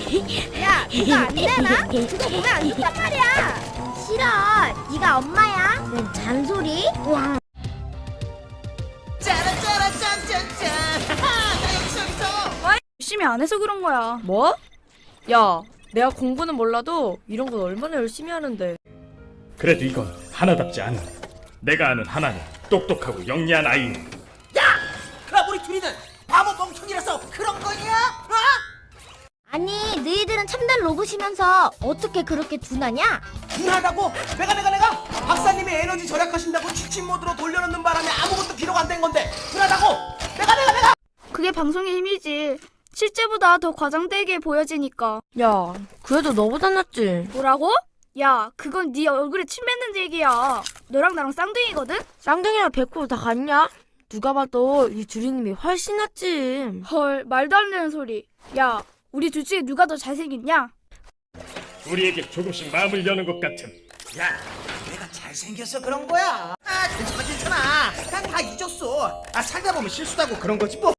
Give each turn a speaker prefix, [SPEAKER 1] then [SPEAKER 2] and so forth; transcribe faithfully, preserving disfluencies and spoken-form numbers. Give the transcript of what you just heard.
[SPEAKER 1] 야, 그거 안 되나? 그거 보면 안 좋단 말이야. 싫어. 네가 엄마야. 응, 잔소리? 와.
[SPEAKER 2] 짜라짜라 짠짠짠. 나 여기서 여기서.
[SPEAKER 3] 열심히 안 해서 그런 거야.
[SPEAKER 4] 뭐? 야, 내가 공부는 몰라도 이런 건 얼마나 열심히 하는데.
[SPEAKER 5] 그래도 이건 하나답지 않아. 내가 아는 하나는 똑똑하고 영리한 아이.
[SPEAKER 2] 야, 그럼 우리 둘이는 바보 멍청이라서 그런 거냐? 어?
[SPEAKER 1] 아니, 너희들은 참된 로봇이면서 어떻게 그렇게 둔하냐?
[SPEAKER 2] 둔하다고? 내가 내가 내가 박사님이 에너지 절약하신다고 취침 모드로 돌려놓는 바람에 아무것도 기록 안 된 건데 둔하다고? 내가 내가 내가
[SPEAKER 3] 그게 방송의 힘이지. 실제보다 더 과장되게 보여지니까.
[SPEAKER 4] 야, 그래도 너보다 낫지.
[SPEAKER 3] 뭐라고? 야, 그건 네 얼굴에 침 뱉는 얘기야. 너랑 나랑 쌍둥이거든?
[SPEAKER 4] 쌍둥이랑 백호 다 같냐? 누가 봐도 이 주리님이 훨씬 낫지.
[SPEAKER 3] 헐, 말도 안 되는 소리. 야, 우리 둘 중에 누가 더 잘생겼냐?
[SPEAKER 5] 우리에게 조금씩 마음을 여는 것 같은.
[SPEAKER 2] 야, 내가 잘생겨서 그런 거야. 아, 괜찮아 괜찮아. 난 다 잊었어. 아, 살다 보면 실수하고 그런 거지 뭐.